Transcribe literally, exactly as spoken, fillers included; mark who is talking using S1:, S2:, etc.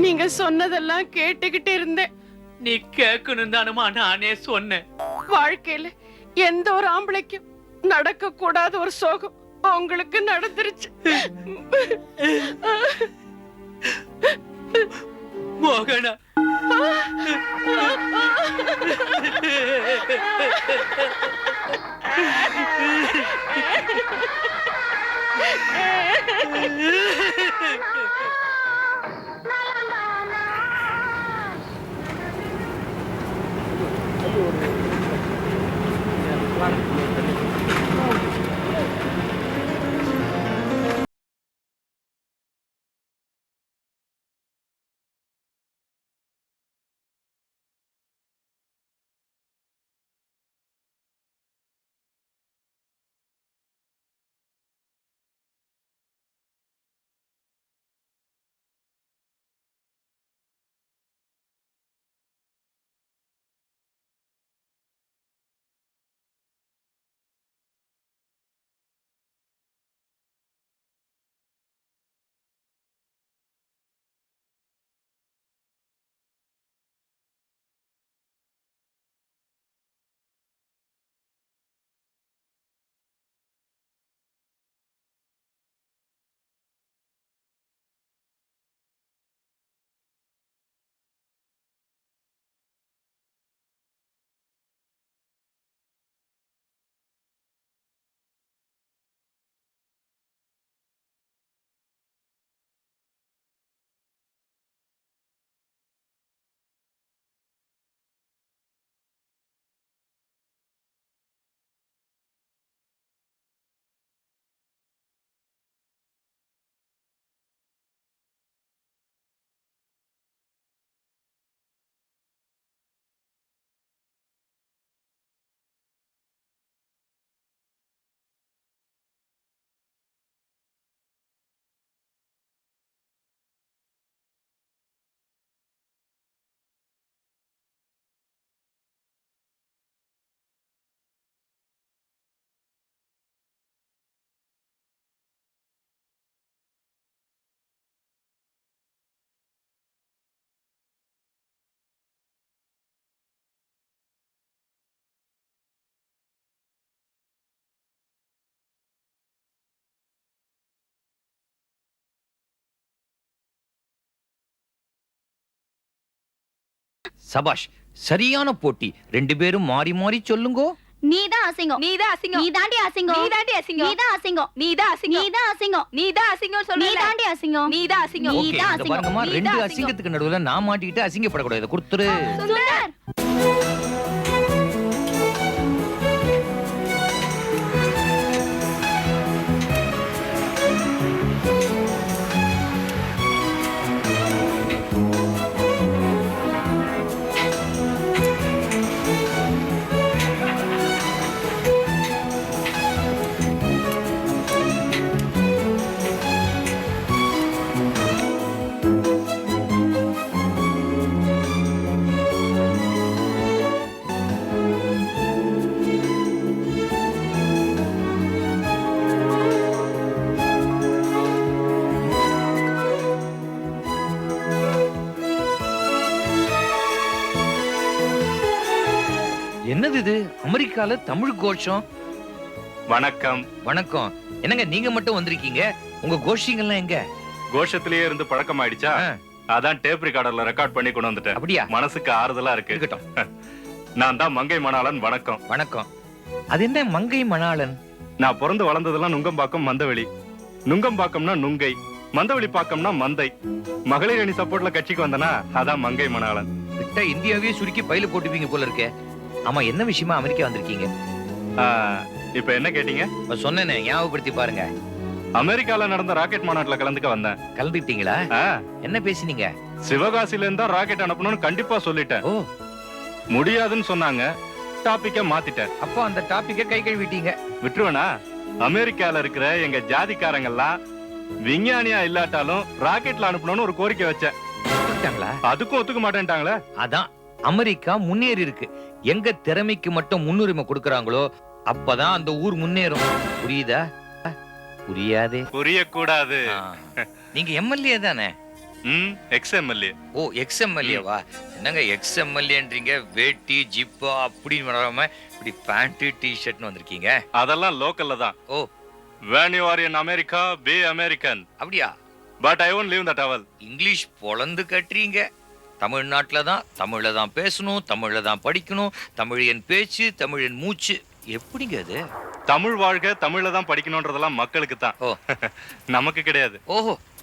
S1: நீங்க சொன்னதெல்லாம் கேட்டுக்கிட்டு இருந்தேன்.
S2: நீ கேட்கணும் தானுமா நானே சொன்னேன்.
S1: வாழ்க்கையில எந்த ஒரு ஆம்பளைக்கும் நடக்க கூடாத ஒரு சோகம் உங்களுக்கு நடந்துருச்சு.
S2: மோகனா,
S3: சபாஷ், சரியான போட்டி. ரெண்டு பேரும் மாறி மாறி சொல்லுங்கோ.
S4: நீதான் அசிங்கம்,
S5: நீதான் அசிங்கம்,
S4: நீ தாண்டி அசிங்கம்,
S5: நீ தாண்டி அசிங்கம்,
S4: நீதான் அசிங்கம்,
S5: நீதான் அசிங்கம்,
S4: நீதான் அசிங்கம்,
S5: நீதான் அசிங்கம் சொல்ல,
S4: நீ தாண்டி அசிங்கம்,
S5: நீதான் அசிங்கம்,
S3: ஓகே,
S4: நீதான்
S3: இங்க
S4: அசிங்கம்,
S3: பாருங்கம்மா,
S5: நீதான்
S3: ரெண்டு
S5: அசிங்கம்.
S3: அசிங்கத்துக்கு நடுவுல நான் மாட்டிக்கிட்டு அசிங்கப்படக்கூடாது. கொடுத்துரு.
S4: சுந்தர்.
S3: என்னது இது? அமெரிக்கால தமிழ் கோஷம்.
S6: வணக்கம்.
S3: வணக்கம். என்னங்க நீங்க மட்டும் வந்திருக்கீங்க? உங்க கோஷிங்கெல்லாம் எங்க?
S6: கோஷத்திலேயே இருந்து பழக்கம் ஆயிடுச்சா? அதான் டேப் ரெக்கார்டர்ல ரெக்கார்ட் பண்ணி கொண்டு வந்துட்டேன்.
S3: அப்படியா?
S6: மனசுக்கு ஆறுதலா இருக்கு.
S3: இருக்கட்டும்.
S6: நான் தான் மங்கை மணாளன். வணக்கம்.
S3: வணக்கம். அது என்ன மங்கை மணாளன்?
S6: நான் பிறந்து வளர்ந்ததெல்லாம் நுங்கம்பாக்கம், மந்தவெளி. நுங்கம்பாக்கம்னா நுங்கை, மந்தவெளி பாக்கம்னா மந்தை. மகளிர் அணி சப்போர்ட்ல கட்சிக்கு வந்தனா அதான் மங்கை மணாளன்.
S3: விட்டா இந்தியாவே சுருக்கி பையில போட்டுப்பீங்க போல இருக்கே. ஆமா, என்ன விஷயமா அமெரிக்கா வந்திருக்கீங்க?
S6: இப்ப என்ன கேட்டீங்க?
S3: சொன்னேனே, ஞாபகப்படுத்தி பாருங்க.
S6: அமெரிக்கால நடந்த ராக்கெட் மாநாட்டுல கலந்துக்க வந்தேன்.
S3: கலந்துட்டீங்களா? என்ன பேசினீங்க?
S6: சிவகாசில இருந்தா ராக்கெட் அனுப்பணும்னு கண்டிப்பா சொல்லிட்டேன்.
S3: ஓ,
S6: முடியாதுன்னு சொன்னாங்க. டாபிக்க மாத்திட்டேன்.
S3: அப்போ அந்த டாபிக்க கை கழுவிட்டீங்க.
S6: விட்டுருவனா? அமெரிக்கால இருக்கிற எங்க ஜாதிக்காரங்க எல்லாம் விஞ்ஞானியா இல்லாட்டாலும் ராக்கெட்ல அனுப்பணும்னு ஒரு கோரிக்கை வச்சேன். அதுக்கும் ஒத்துக்க மாட்டேன்ட்டாங்களே.
S3: அதான் அமெரிக்கா முன்னேறி இருக்கு. எங்க திறமைக்கு மட்டும் முன்னுரிமை கொடுக்கறாங்களோ அப்பதான் அந்த ஊர் முன்னேறும். புரியுதா? புரியாதே.
S6: புரியக்கூடாது.
S3: நீங்க எம்எல்ஏ தானே?
S6: ம் எக்ஸ் எம்எல்ஏ.
S3: ஓ எக்ஸ் எம்எல்ஏவா? என்னங்க எக்ஸ் எம்எல்ஏன்றீங்க? வேட்டி ஜிப்பா அப்படின்னு வராம இப்படி பேண்ட் டி ஷர்ட்னு வந்திருக்கீங்க.
S6: அதெல்லாம் லோக்கல்ல தான்.
S3: Oh
S6: when you are in America be American
S3: அப்படியா?
S6: but I won't leave the towel.
S3: English பொளந்து கட்டுறீங்க. தமிழ்நாட்டுல தான் தமிழ்ல தான் பேசணும், தமிழ்ல தான் படிக்கணும், தமிழ் என் பேச்சு, தமிழ் என் மூச்சு. எப்படிங்க அது?
S6: தமிழ் வாழ்க தமிழ்ல தான் படிக்கணும்ன்றதெல்லாம் மக்களுக்கு தான்.
S3: ஓ
S6: நமக்கு கிடையாது.
S3: ஓஹோ